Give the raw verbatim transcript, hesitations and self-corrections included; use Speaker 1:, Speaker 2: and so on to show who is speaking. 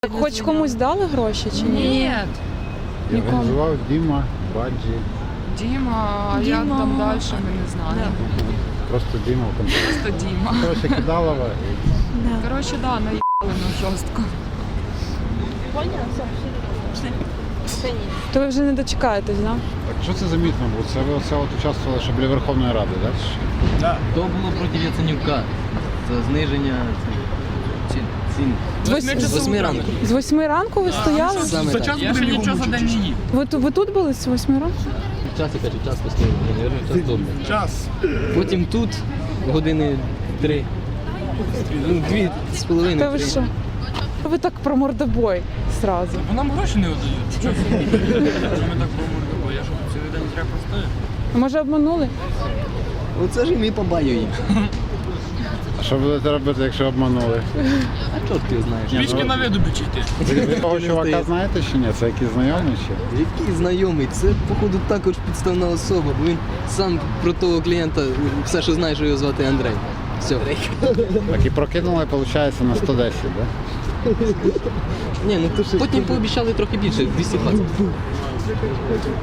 Speaker 1: Так хоч комусь дали гроші чи ні?
Speaker 2: Ні.
Speaker 1: Нікому.
Speaker 3: Організував Діма, Баджі.
Speaker 2: Діма, а як
Speaker 1: Діма.
Speaker 2: там далі, ми не знаємо.
Speaker 3: Просто Діма в контакті.
Speaker 2: Просто Діма.
Speaker 3: Коротше, Кидалова.
Speaker 1: Да.
Speaker 2: Коротше, да, наїбали ну жорстко.
Speaker 1: То ви вже не дочекаєтесь, да?
Speaker 3: Так що це за мітинг був? Це ви оце от участвували, що біля Верховної Ради, так?
Speaker 4: Да. То було проти Яценюка. Це зниження цін. цін.
Speaker 1: З восьми-
Speaker 4: З восьми ранку.
Speaker 1: З восьми ранку ви стояли?
Speaker 4: Саме так.
Speaker 5: Я ще нічого за день не їв.
Speaker 1: Ви, ту- ви тут були з восьми ранку?
Speaker 4: Час, я кажу, час постояв. Час тут.
Speaker 5: Час.
Speaker 4: Потім тут години три. Ну, дві з
Speaker 1: Та
Speaker 4: половиною.
Speaker 1: ви
Speaker 4: три.
Speaker 1: що? Ви так про мордобой зразу.
Speaker 5: Бо нам гроші не віддають. Чого це? Ми так помордимо? Я що, цілий день зря простою?
Speaker 1: А може обманули?
Speaker 4: Оце ж і ми побаюємо.
Speaker 3: А що будете робити, якщо обманули?
Speaker 4: А чорт ти знаєш.
Speaker 5: Пічки на виду бічити.
Speaker 3: Ви, ви того
Speaker 4: Не
Speaker 3: чувака
Speaker 4: здається.
Speaker 3: знаєте чи ні? Це якийсь знайомий ще?
Speaker 4: Який знайомий, це походу також підставна особа, бо він сам про того клієнта все, що знає, що його звати Андрей. Все.
Speaker 3: Так і прокинули, виходить, на сто десять, так?
Speaker 4: Ні, ну то потім пообіцяли трохи більше, двісті двадцять.